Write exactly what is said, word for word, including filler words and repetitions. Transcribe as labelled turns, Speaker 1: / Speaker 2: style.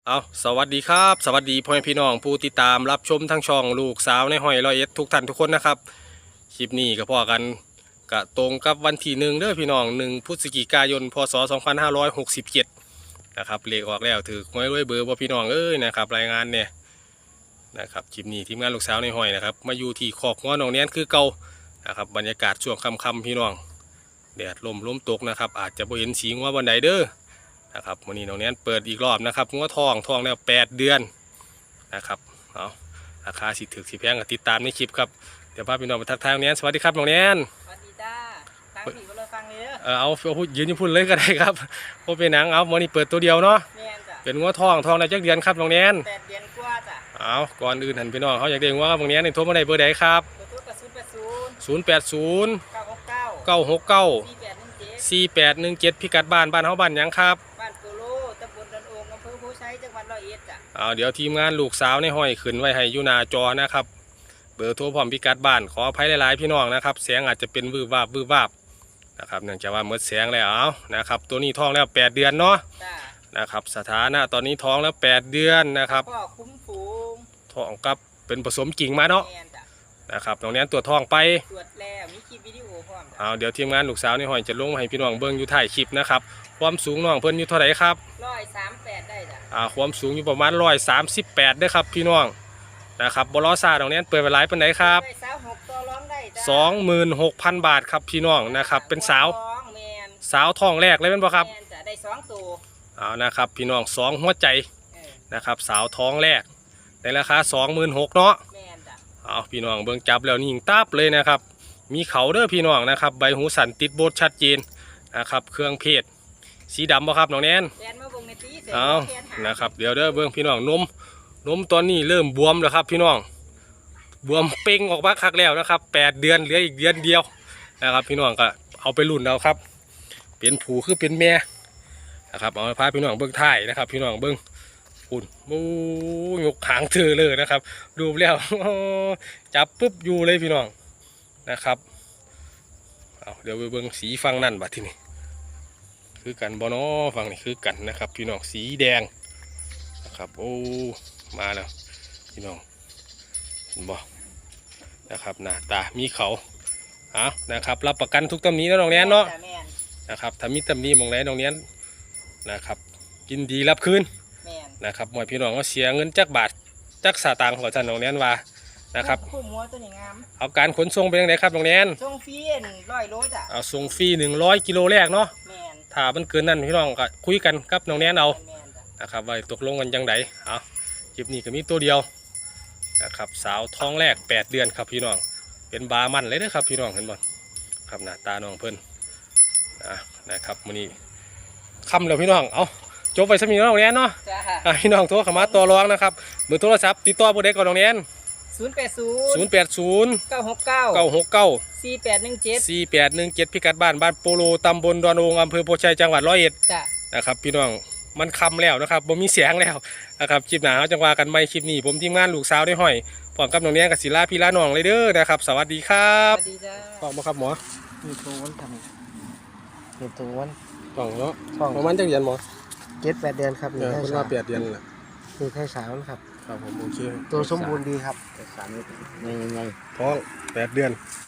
Speaker 1: เอาสวัสดีครับสวัสดีพ่อแม่พี่น้องผู้ติดตามรับชมทั้งช่องลูกสาวในห้อยร้อยเอ็ดทุกท่านทุกคนนะครับคลิปนี้ก็พอกันกะตรงกับวันที่หนึ่งเด้อพี่น้องหนึ่งพฤศจิกายนพศสองพันห้าร้อยหกสิบเจ็ดนะครับเลขออกแล้วถือหวยรวยเบอร์ว่าพี่น้องเอ้ยนะครับรายงานเนี่ยนะครับคลิปนี้ทีมงานลูกสาวในห้อยนะครับมาอยู่ที่ขอกง้อน้องเนี้ยคือเก่านะครับบรรยากาศช่วงค่ำๆพี่น้องแดดลมลมตกนะครับอาจจะบ่เห็นสีงัววันใดเด้อนะครับวันนี้น้องเนี้ยเปิดอีกรอบนะครับงัวทองทองแล้วแปดเดือนนะครับเอาราคาสิถึกสิแพงก็ติดตามในคลิปครับเดี๋ยวพาพี่น้องไปทักทายน้องเนี้ยสวัสดีครับน้องเนี้ย
Speaker 2: สวัสดีจ้าฟังผีก็เลยฟังเลย
Speaker 1: เออเอาเอาพูดยืนอยืนพูดเลยก็ได้ครับเพราะเป็นหนังเอาวันนี้เปิดตัวเดียวเนาะเป็นงัวทองทองในจักเดือนครับน้องเนี้ย
Speaker 2: แปดเดือนกว่าจ้ะ
Speaker 1: เอาก่อนอื่นหันพี่น้องเขาอยากเด้งว่าน้องเนี้ยในโทรมาได้เบอร์ใดครับศูนย์แปดศูนย์เก้าหกเก้าสี่แปดหนึ่งเจ็ดพิกัดบ้านบ้านเขาบ้านยังครับ
Speaker 2: บ้านโกโลตำบลดอนโองอำเภอโพชัยจังหวัดร้อยเอ็ดจ้ะ
Speaker 1: เอาเดี๋ยวทีมงานลูกสาวในห้อยขึ้นไว้ให้ยูนาจอนะครับเบอร์โทรพร้อมพิกัดบ้านขออภัยหลายๆพี่น้องนะครับเสียงอาจจะเป็นวืบวาบวืบวาบนะครับเนื่องจากว่าเมื่อเสียงแล้วเอานะครับตัวนี้ท้องแล้วแปดเดือนเนาะนะครับสถานะตอนนี้ท้องแล้วแปดเดือนนะครับ
Speaker 2: พ่อคุ้มฝูง
Speaker 1: ท้องกับเป็นผสมกิ่งมาเนาะนะครับตรงนี้ตัวท้องไป
Speaker 2: ตรวจแล้วมีคลิปวิดีโอพร้อม
Speaker 1: เอาเดี๋ยวทีมงานลูกสาวในห้อยจะลงให้พี่น้องเบิ้งอยู่ถ่ายคลิปนะครับความสูงน้องเพิ่นอยู่เท่าไหร่ครับ
Speaker 2: ร้อยสามแปดได้จ้ะ
Speaker 1: อ่าความสูงอยู่ประมาณร้อยสามสิบแปดได้ครับพี่น้องนะครับบลอซาตรงนี้เปิดไปหลายเป็นไหนครับสองหมื่นหกพันบาทครับพี่น้องนะครับเป็นสาวสาวท้องแรกเลยเป็นปะครับ
Speaker 2: ได้สองตัว
Speaker 1: เอานะครับพี่น้องสองหัวใจนะครับสาวท้องแรกในราคาสองหมื่นหกเนาะเอาพี่น้องเบิ่งจับแล้วนี่ยิงตับเลยนะครับมีเขาเด้อพี่น้องนะครับใบหูสันติดโบดชัดเจนนะครับเครื่องเพศสีดำบ่ครับน้องแนนเอานะครับเดี๋ยวเด้อเบิ่งพี่น้องนมนมตอนนี้เริ่มบวมแล้วครับพี่น้องบวมเป่งออกมาคักแล้วนะครับแปดเดือนเหลืออีกเดือนเดียวนะครับพี่น้องก็เอาไปรุ่นเอาครับเป็นผูคือเป็นแม่นะครับเอาพาพี่น้องเบิ่งถ่ายนะครับพี่น้องเบิ่งอุ่นมูยกหางเธอเลยนะครับดูแล้วจับปุ๊บอยู่เลยพี่น้องนะครับเอาเดี๋ยวไปเบิ่งสีฟังนั่นบัดทีนี้คือกันบอนอฟังนี่คือกันนะครับพี่น้องสีแดงนะครับโอ้มาแล้วพี่น้องเห็นบ่นะครับหน้าตามีเขาเอานะครับรับประกันทุกตำหนิแล้วน้องแนนเนาะนะครับถ้ามีตำหนิมองไหนน้องแนนนะครับกินดีรับคืนนะครับหมวยพี่น้องก็เสียเงินจักบาทจักสตางค์ของจันน้องแนนว่านะครับเอาการขนส่งเป็นยังไงครับน้องแนน
Speaker 2: ส่งฟรีร้อยโลจ้ะ
Speaker 1: เอาส่งฟรีหนึ่งร้อยกิโลแรกเนาะถ้ามันเกินนั้นพี่น้องก็คุยกันกับน้องแนนเอานะครับว่าตกลงกันยังไงเอาคลิปนี้ก็มีตัวเดียวนะครับสาวท้องแรกแปดเดือนครับพี่น้องเป็นบามันเลยนะครับพี่น้องเห็นบ่ครับหน้าตาน้องเพิ่นนะครับมื้อนี้ค่ำแล้วพี่น้องเอาจบไปสมีน้องแนนเนาะพี่น้องโทรเข้ามาต่อรองนะครับเบอร์โทรศัพท์ติดต่อผู้ใดก่อนน้องแนน
Speaker 2: ศูนย์แปดศูนย์
Speaker 1: ศูนย์แปดศูนย์
Speaker 2: เก้าหกเก้า
Speaker 1: เก้าหกเก้า
Speaker 2: สี่แปดหนึ่งเจ็ด
Speaker 1: สี่แปดหนึ่งเจ็ดพิกัดบ้านบ้านโปโลตำบลดอนโองอำเภอโพชัยจังหวัดร้อยเอ็ดนะครับพี่น้องมันคำแล้วนะครับบ่มีเสียงแล้วนะครับคลิปหนาจังหวะกันไม่คลิปนี้ผมทีมงานลูกสาวได้ห้อยพร้อมกับน้องเนี้ยกับศิลาพี่ละน้องเลยเด้อนะครับสวัสดีครับ
Speaker 2: สวัสดีจ้า
Speaker 1: พร้อมครับหมอ
Speaker 2: มีตัววันทำมีตัววัน
Speaker 1: ท้องเนาะท้องประมาณจักเดือนหมอ
Speaker 2: เจ็ดแปดเดือนครับ
Speaker 1: นี่ให้สาวแปดเดือนแหละ
Speaker 2: นี่ให้สาวครับ
Speaker 1: ครับผมโอเค
Speaker 2: ตัวสมบูรณ์ดีครับ
Speaker 1: แต่สามนี่ไงท้องแปดเดือน